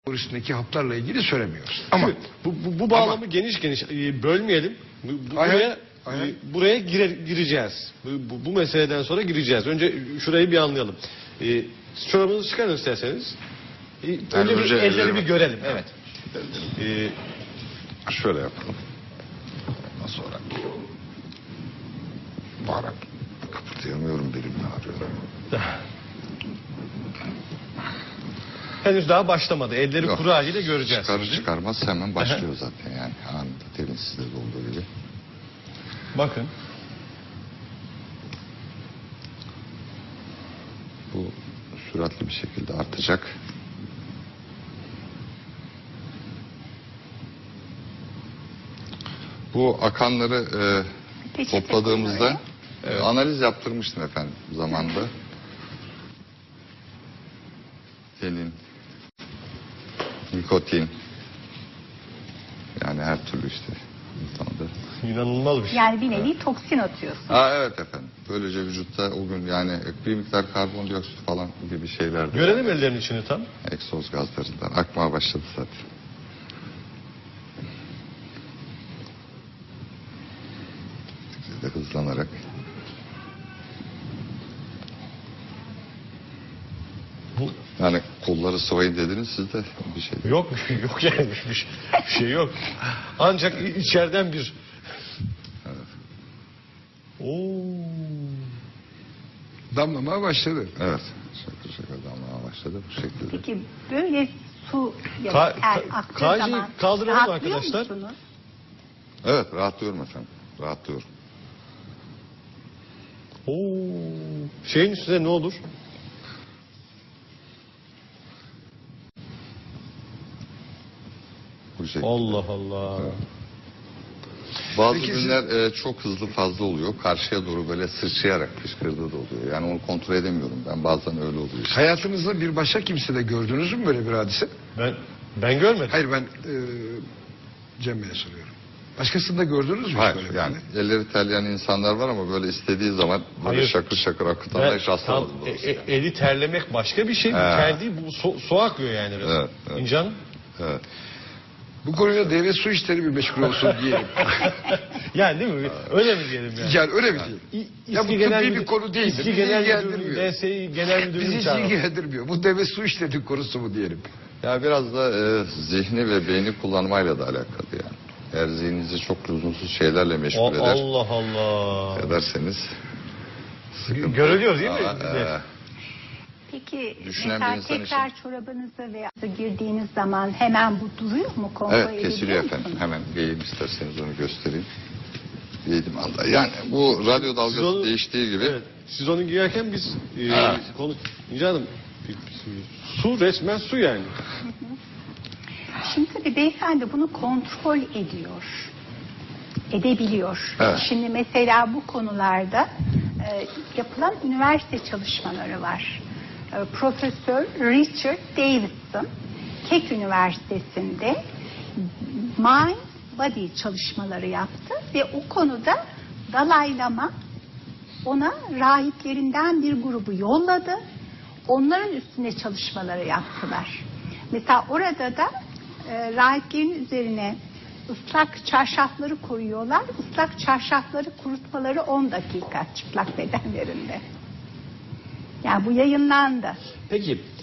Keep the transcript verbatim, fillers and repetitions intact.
üstündeki haplarla ilgili söylemiyoruz. Ama bu, bu, bu bağlamı ama, geniş geniş e, bölmeyelim. Bu, bu, aynen, buraya aynen. e, buraya girer, gireceğiz. Bu, bu, bu meseleden sonra gireceğiz. Önce şurayı bir anlayalım. E, çorabınızı çıkarın isterseniz. E, önce, önce bir, elleri bir görelim. Evet. E, şöyle yapalım. Ondan sonra bağırarak kıpırdayamıyorum, belimle ağrıyor. Henüz daha başlamadı. Elleri Yok, kuru haliyle göreceğiz. Çıkarır çıkarmaz hemen başlıyor zaten yani. Anında, demin sizde de olduğu gibi. Bakın. Bu süratli bir şekilde artacak. Bu akanları e, topladığımızda e, analiz yaptırmıştım efendim zamanında. Tenin, nikotin, yani her türlü işte insanda. İnanılmaz bir şey. Yani bir nevi toksin atıyorsun. Aa, evet efendim. Böylece vücutta o gün yani bir miktar karbondioksit falan gibi şeyler de. Görelim ellerin içini tam. Egzoz gazlarından akmaya başladı zaten. De hızlanarak. Bu... Yani kolları sıvayın dediniz siz de bir şey. Yok yok yani bir şey, bir şey yok. Ancak içeriden bir. Evet. Oo. damlamaya başladı. Evet. Şakır şakır damlamaya başladı bu şekilde. Peki böyle su ya Ka da ter ka aktığı kaycıyı zaman kaldıralım rahatlıyor arkadaşlar. musunuz? Evet, rahatlıyorum efendim. Rahatlıyorum. Oo. Şeyin üstüne ne olur? Bu şekilde. Allah Allah. Evet. Bazı Peki günler e, çok hızlı fazla oluyor. Karşıya doğru böyle sıçrayarak fışkırdığı da oluyor. Yani onu kontrol edemiyorum ben. Bazen öyle oluyor işte. Hayatınızda bir başka kimsede gördünüz mü böyle bir hadise? Ben ben görmedim. Hayır, ben e, Cem Bey'e soruyorum. Başkasında gördünüz mü? Hayır böyle yani bir? elleri terleyen insanlar var ama böyle istediği zaman böyle Hayır. şakır şakır akıtanlar Ben hiç tam, rastlamadım e, doğrusu. e, eli terlemek başka bir şey. Bu He. ter değil, bu su, su akıyor yani. Biraz. Evet, evet. İnce Hanım? Evet. Bu konuyla devlet su işleri bir meşgul olsun diyelim. Yani değil mi? Öyle mi diyelim yani? Yani öyle mi diyelim? İ- Ya bu İSKİ Genel tıbbi Müdür- bir konu değil. İSKİ Bizi Genel ilgilendirmiyor. Müdürlüğü, D S İ Genel Müdürlüğü Bizi hiç çağıralım. ilgilendirmiyor. Bu devlet su işleri konusu mu diyelim? Ya biraz da e, zihni ve beyni kullanmayla da alakalı yani. Eğer zihninizi çok lüzumsuz şeylerle meşgul O- eder, Allah Allah. ederseniz sıkıntı. Görülüyor değil mi? Ama, e, Peki Düşünen mesela bir insan tekrar çorabınıza veya girdiğiniz zaman hemen bu duruyor mu? Kontrol evet edebiliyor kesiliyor musunuz? efendim. Hemen giyeyim isterseniz onu göstereyim. Giydim Allah. Yani bu radyo dalgası Siz onu- değiştiği gibi. Evet. Siz onu giyerken biz e, Ha. konu İnce Hanım, su resmen su yani. Şimdi tabii beyefendi bunu kontrol ediyor. Edebiliyor. Evet. Şimdi mesela bu konularda e, yapılan üniversite çalışmaları var. E, Profesör Richard Davidson Keck Üniversitesi'nde mind body çalışmaları yaptı ve o konuda Dalai Lama ona rahiplerinden bir grubu yolladı. Onların üstüne çalışmaları yaptılar. Mesela orada da e, rahiplerin üzerine ıslak çarşafları koyuyorlar. Islak çarşafları kurutmaları on dakika çıplak bedenlerinde. Yani bu yayınlandı. Peki